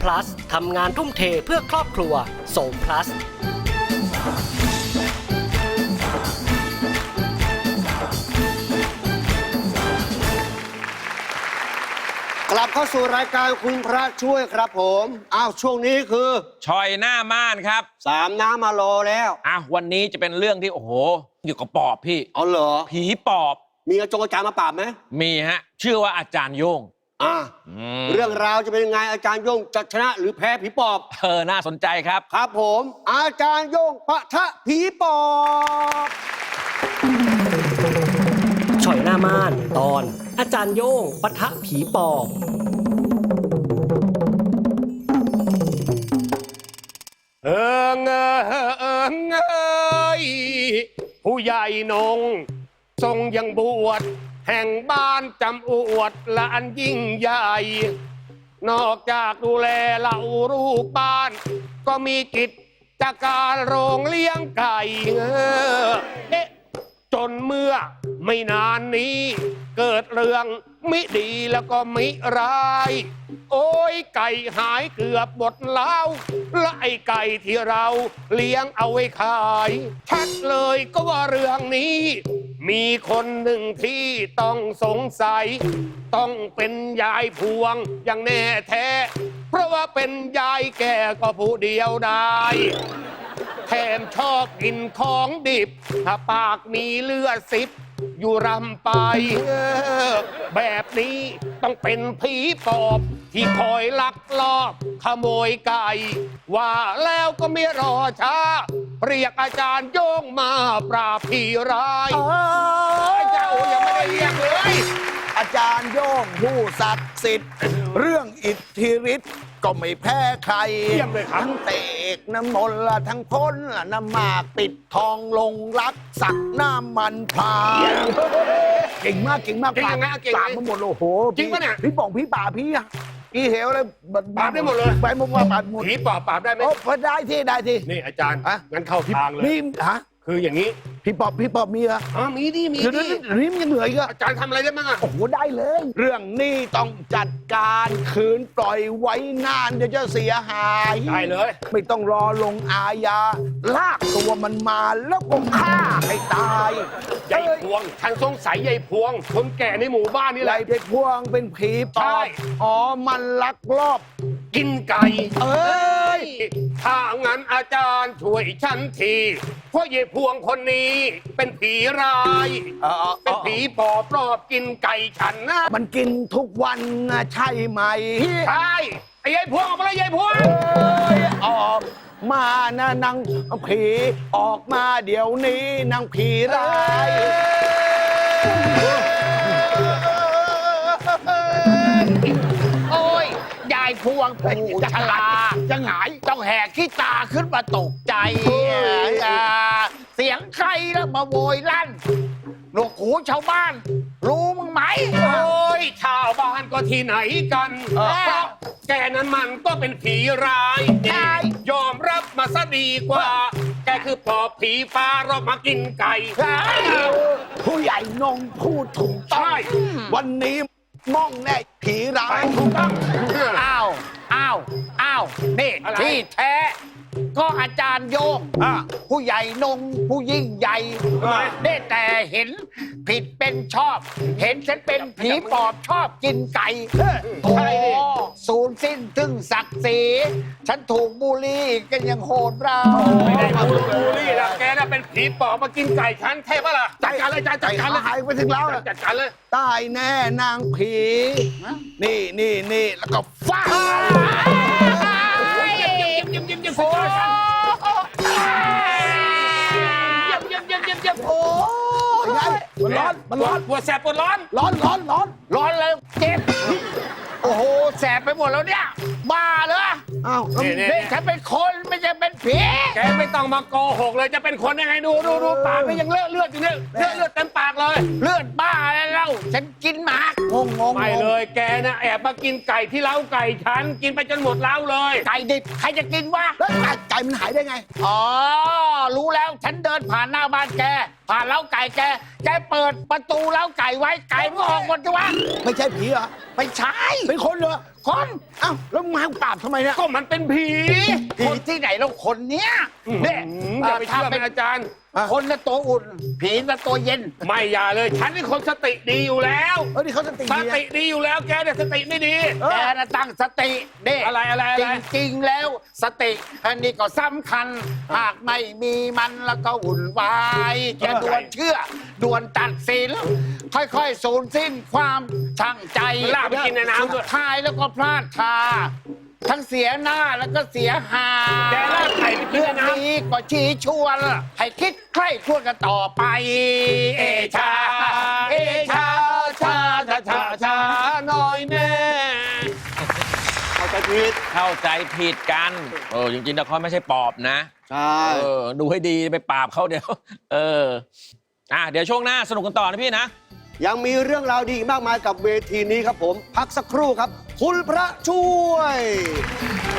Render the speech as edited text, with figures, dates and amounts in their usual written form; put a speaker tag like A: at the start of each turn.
A: plus ทำงานทุ่มเทเพื่อครอบครัวโสม plus
B: กลับเข้าสู่รายการคุณพระช่วยครับผมอ้าวช่วงนี้คือ
C: ชอยหน้าม่านครับ
B: 3น้ำมารอแล้ว
C: วันนี้จะเป็นเรื่องที่โอ้โหอยู่กับปอบพี่
B: อ๋อเหรอ
C: ผีปอบ
B: มีอาจารย์มาปราบไหม
C: มีฮะชื่อว่าอาจารย์โย่ง
B: เรื่องราวจะเป็นยังไงอาจารย์โย่งจะชนะหรือแพ้ผีปอบ
C: น่าสนใจครับ
B: ครับผมอาจารย์โย่งปะทะผีปอบ
A: ฉ่อยหน้าม่านตอนอาจารย์โย่งปะทะผีปอบ
D: ผู้ใหญ่นงทรงยังบวชแห่งบ้านจำอวดละอันยิ่งใหญ่นอกจากดูแลเหล่าลูกบ้านก็มีกิจการโรงเลี้ยงไก่จนเมื่อไม่นานนี้เกิดเรื่องมิดีแล้วก็มิร้ายโอ้ยไก่หายเกือบหมดแล้วและไอ้ไก่ที่เราเลี้ยงเอาไว้ขายชัดเลยก็ว่าเรื่องนี้มีคนหนึ่งที่ต้องสงสัยต้องเป็นยายพวงอย่างแน่แท้เพราะว่าเป็นยายแก่ก็ผู้เดียวได้แถมชอบกินของดิบถ้าปากมีเลือดซิบอยู่รำไปแบบนี้ต้องเป็นผีปอบที่คอยลักลอบขโมยไก่ว่าแล้วก็ไม่รอช้าเรียกอาจารย์โย่งมาปราบผีร้ายเจ้ายังไม่ได้เรียกเลย
E: อาจารย์โย่งผู้ศักดิ์สิทธิ์เรื่องอิทธิฤทธิ์ก็ไม่แพ้ใครทั้งเตกน้ำมนต์ละทั้งพ้นละน้ำหมากปิดทองลงรักสักน้ำมันพาเก่งมากเก่งมากปราบมาหมดโอ้โห
D: จริงปะเนี่ย
E: พี่ป่องพี่ป่าพี่เหวเลย
D: ปราบได้หมดเลย
E: ไปมุกว่าปราบหมด
D: ผีปอบปราบได้ไหม
E: ได้ที่ได้ที่
D: นี่อาจารย์งั้นเข้าทางเลย
E: นี่
D: คืออย่างนี้
E: พี่ปอบมีเหรอ
D: มีดิมี
E: ดินี่มันยังเหนื่อยก็
D: อาจารย์ทำอะไรได้บ้าง
E: โอ้โหได้เลยเรื่องนี้ต้องจัดการคืนปล่อยไว้นานเดี๋ยวจะเสียหาย
D: ได้เลย
E: ไม่ต้องรอลงอาญาลากตัวมันมาแล้วก็ฆ่าให้ตาย
D: ยายพวงฉันสงสัยยายพวงคนแก่ในหมู่บ้านนี่แหละ
E: ยายพวงเป็นผีปอบมันลักลอบ
D: กินไก่ถ้างั้นอาจารย์ช่วยฉันทีเพราะยายพวงคนนี้เป็นผีร้ายเป็นผีปอบรอบกินไก่ฉันนะ
E: มันกินทุกวันนะใช่ไหม
D: ใช่ไอ้ยายพวงออกมาเลยยายพวง
E: ออกมานะนางผีออกมาเดี๋ยวนี้นางผีร้าย
F: โอ้ยยายพวงผู้ชราจะหงายต้องแหกขี้ตาขึ้นมาตกใจเสียงใครแล้วมาโวยลั่นหนวกหูชาวบ้านรู้มึงไหม
D: โอ้ยชาวบ้านก็ที่ไหนกันเพราะแกนั้นมันก็เป็นผีร้ายยอมรับมาซะดีกว่าแกคือปอบผีฟ้ารอบมากินไก่
E: ผู้ใหญ่นงพูดถูกต้องวันนี้ม่องแน่ผีร้าย
D: ถูกต้อง
F: อ้าวนี่ที่แท้ก็อาจารย์โยงผู้ใหญ่นงผู้ยิ่งใหญ่ได้แต่เห็นผิดเป็นชอบเห็นฉันเป็นผีปอบชอบกินไก่โอ้สูญสิ้นถึงศักดิ์ศรีฉันถูกบูลลี่กันยังโหดร้าย
D: ไม่ได้บูลลี่นะแกน่ะเป็นผีปอบมากินไก่ฉันเทปะล่ะจัดการเลยจัดการเลย
E: หายไปถึงแล้ว
D: จัดการเลย
E: ตายแน่นางผีนี่แล้วก็ฟาด
D: โอ้
E: มันร้อน
D: ปวดแสบปวดร้อน
F: แล้วเจ็บโอ้โหแสบไปหมดแล้วเนี่ยบ้าเหรอนี่ฉันเป็นคนไม่ใช่เป็นผี
D: แกไม่ต้องมาโกหกเลยจะเป็นคนยังไงดูปากนี่ยังเลือดอยู่เนี่ยเลือดเต็มปากเลย
F: เลือดบ้าแล้วฉันกินหมาก
D: งงไม่เลยแกนะแอบมากินไก่ที่เล้าไก่ฉันกินไปจนหมดเล้าเลย
F: ไก่ดิบใครจะกินวะ
E: แล้วไก่มันหายได้ไง
F: รู้แล้วฉันเดินผ่านหน้าบ้านแกผ่านเล้าไก่แกเปิดประตูเล้าไก่ไว้ไก่มันก็ออกหมดจ้ะวะ
E: ไม่ใช่ผีเหรอ
F: ไม่ใช่
E: เป็นคนเหรอ
F: คน
E: เอ้าแล้วมึงมาให้กูปราบทำไมเนี่ย
D: ก็มันเป็นผี
F: ผีที่ไหนแล้วคนเนี้ยเนี่ย
D: อย่าไป
F: ถ้า
D: เชื่อ
F: เป็
D: เป็น นอาจารย์
F: คนน่ะตัวอุ่น ผีน่ะตัวเย็น
D: ไม่อย่าเลย ฉันเป็นคนสติดีอยู่แล้ว
E: เออนี่เขาสติ
D: ส
E: ดี
D: ติดีอยู่แล้วแกเนี่ยสติไม่ดี
F: แกน่ะตั้งสติเด้
D: อะไร
F: จริงๆแล้วสติอันนี้ก็สำคัญ หากไม่มีมันแล้วก็วุ่นวายจะด่วนเชื่อด่วนตัดสิน ค่อยๆสูญสิ้นความช่างใจ
D: ลากไปกินในน้ำด้วย
F: สุดท้ายแล้วก็พลาดท่าทั้งเสียหน้าแล้วก็เสียหา
D: แกลากไก่ไปกิน
F: เรื่
D: ใน
F: อง
D: น้ำ
F: นี้ก็ชี้ชวน ให้คิดใคร่ครวญกันต่อไป เอชา
D: เอชาชาน้อยแน่
B: เข้าใจผิด
C: เข้าใจผิดกันจริงๆแล้วเขาไม่ใช่ปอบนะ
B: ใช่
C: ดูให้ดีไปปราบเขาเดี๋ยว เดี๋ยวช่วงหน้าสนุกกันต่อนะพี่นะ
B: ยังมีเรื่องราวดีอีกมากมายกับเวทีนี้ครับผม พักสักครู่ครับ คุณพระช่วย